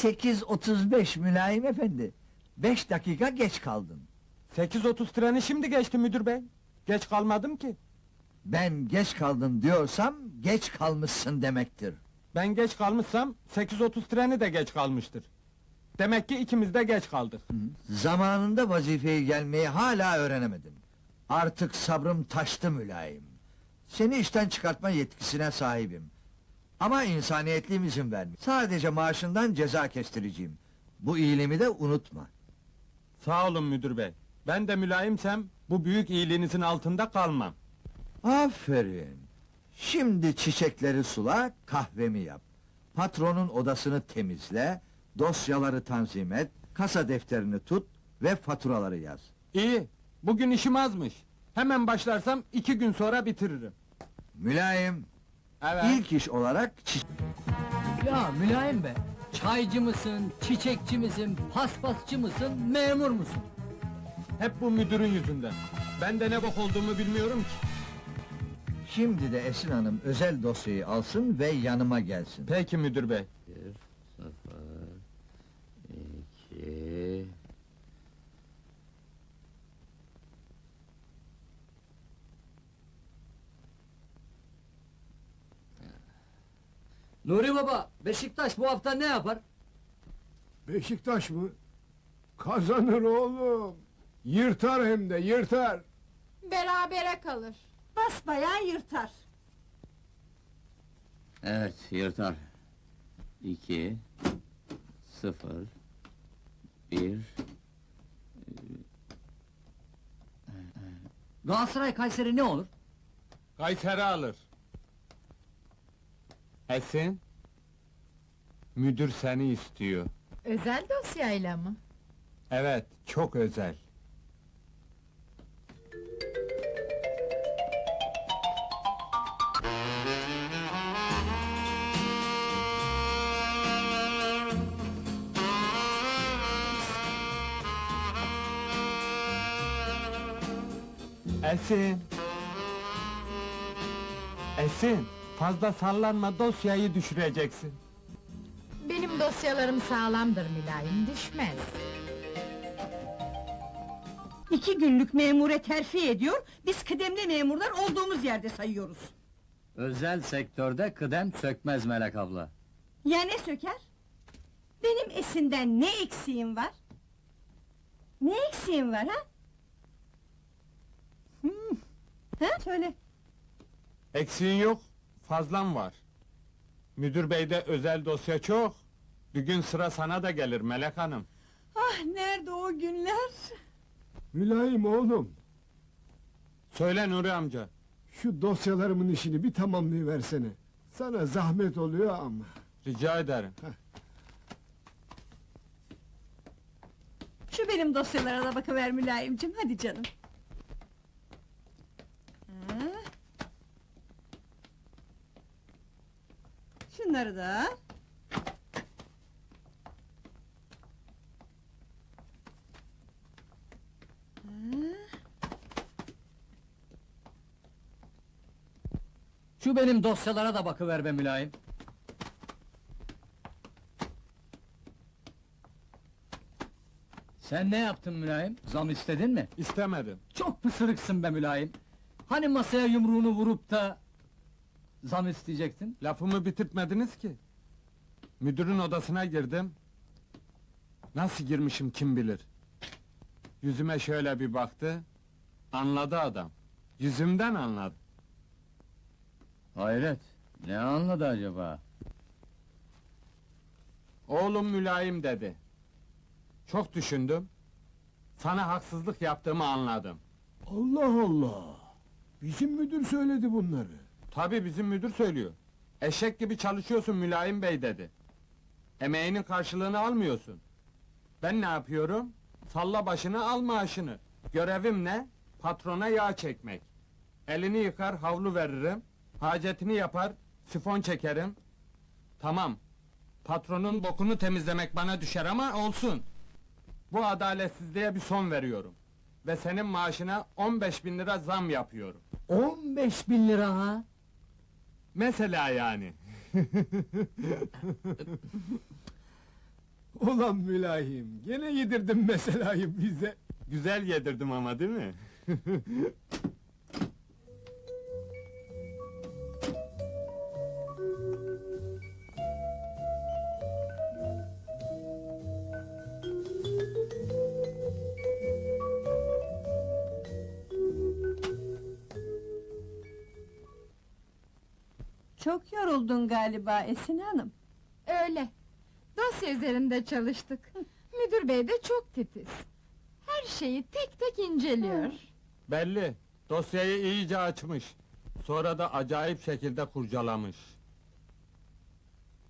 8:35 mülayim efendi. 5 dakika geç kaldın. 8:30 treni şimdi geçti müdür bey. Geç kalmadım ki. Ben geç kaldın diyorsam, geç kalmışsın demektir. Ben geç kalmışsam 8:30 treni de geç kalmıştır. Demek ki ikimiz de geç kaldık. Zamanında vazifeye gelmeyi hala öğrenemedin. Artık sabrım taştı mülayim. Seni işten çıkartma yetkisine sahibim. Ama insaniyetliğim izin vermiyor. Sadece maaşından ceza kestireceğim. Bu iyiliğimi de unutma. Sağ olun müdür bey. Ben de mülayimsem bu büyük iyiliğinizin altında kalmam. Aferin. Şimdi çiçekleri sula, kahvemi yap. Patronun odasını temizle, dosyaları tanzim et, kasa defterini tut ve faturaları yaz. İyi. Bugün işim azmış. Hemen başlarsam 2 gün sonra bitiririm. Mülayim, Evet. ilk iş olarak Ya mülayim be, çaycı mısın, çiçekçi misin, paspasçı mısın, memur musun? Hep bu müdürün yüzünden. Ben de ne bok olduğumu bilmiyorum ki. Şimdi de Esin Hanım özel dosyayı alsın ve yanıma gelsin. Peki müdür bey. 1, 0, 2... Nuri baba, Beşiktaş bu hafta ne yapar? Beşiktaş mı? Kazanır oğlum. Yırtar hem de yırtar. Berabere kalır. Basbayağı yırtar. Evet, yırtar. 2, 0, 1... Galatasaray Kayseri ne olur? Kayseri alır. Esin. Müdür seni istiyor. Özel dosyayla mı? Evet, çok özel. Esin. Esin, fazla sallanma, dosyayı düşüreceksin. Benim dosyalarım sağlamdır mülayim, düşmez. 2 günlük memure terfi ediyor, biz kıdemli memurlar olduğumuz yerde sayıyoruz. Özel sektörde kıdem sökmez Melek abla. Ya ne söker? Benim Esin'den ne eksiğim var? Ne eksiğim var ha? Ha? Söyle. Eksiğin yok, fazlan var. Müdür beyde özel dosya çok. Bir gün sıra sana da gelir Melek Hanım. Ah nerede o günler? Mülayim oğlum, Söyle Nuri amca. şu dosyalarımın işini bir tamamlayıversene. Sana zahmet oluyor ama. Rica ederim. Şu benim dosyalara da bakıver mülayimcim, hadi canım. Ha. Şunları da. Şu benim dosyalara da bakıver be mülayim. Sen ne yaptın mülayim? Zam istedin mi? İstemedim. Çok pısırıksın be mülayim. Hani masaya yumruğunu vurup da... ...zam isteyecektin? Lafımı bitirtmediniz ki. Müdürün odasına girdim. Nasıl girmişim kim bilir. Yüzüme şöyle bir baktı. Anladı adam. Yüzümden anladı. Hayret, ne anladı acaba? Oğlum mülayim dedi. Çok düşündüm. Sana haksızlık yaptığımı anladım. Allah Allah! Bizim müdür söyledi bunları. Tabii bizim müdür söylüyor. Eşek gibi çalışıyorsun mülayim bey dedi. Emeğinin karşılığını almıyorsun. Ben ne yapıyorum? Salla başını al maaşını. Görevim ne? Patrona yağ çekmek. Elini yıkar havlu veririm. Hacetini yapar, sifon çekerim. Tamam. Patronun bokunu temizlemek bana düşer ama olsun. Bu adaletsizliğe bir son veriyorum. Ve senin maaşına 15.000 lira zam yapıyorum. 15.000 lira ha! Mesela yani. Ulan mülayim, gene yedirdin meselayı bize. Güzel yedirdim ama değil mi? Çok yoruldun galiba Esin Hanım. Öyle. Dosya üzerinde çalıştık. Müdür bey de çok titiz. Her şeyi tek tek inceliyor. Belli, dosyayı iyice açmış. Sonra da acayip şekilde kurcalamış.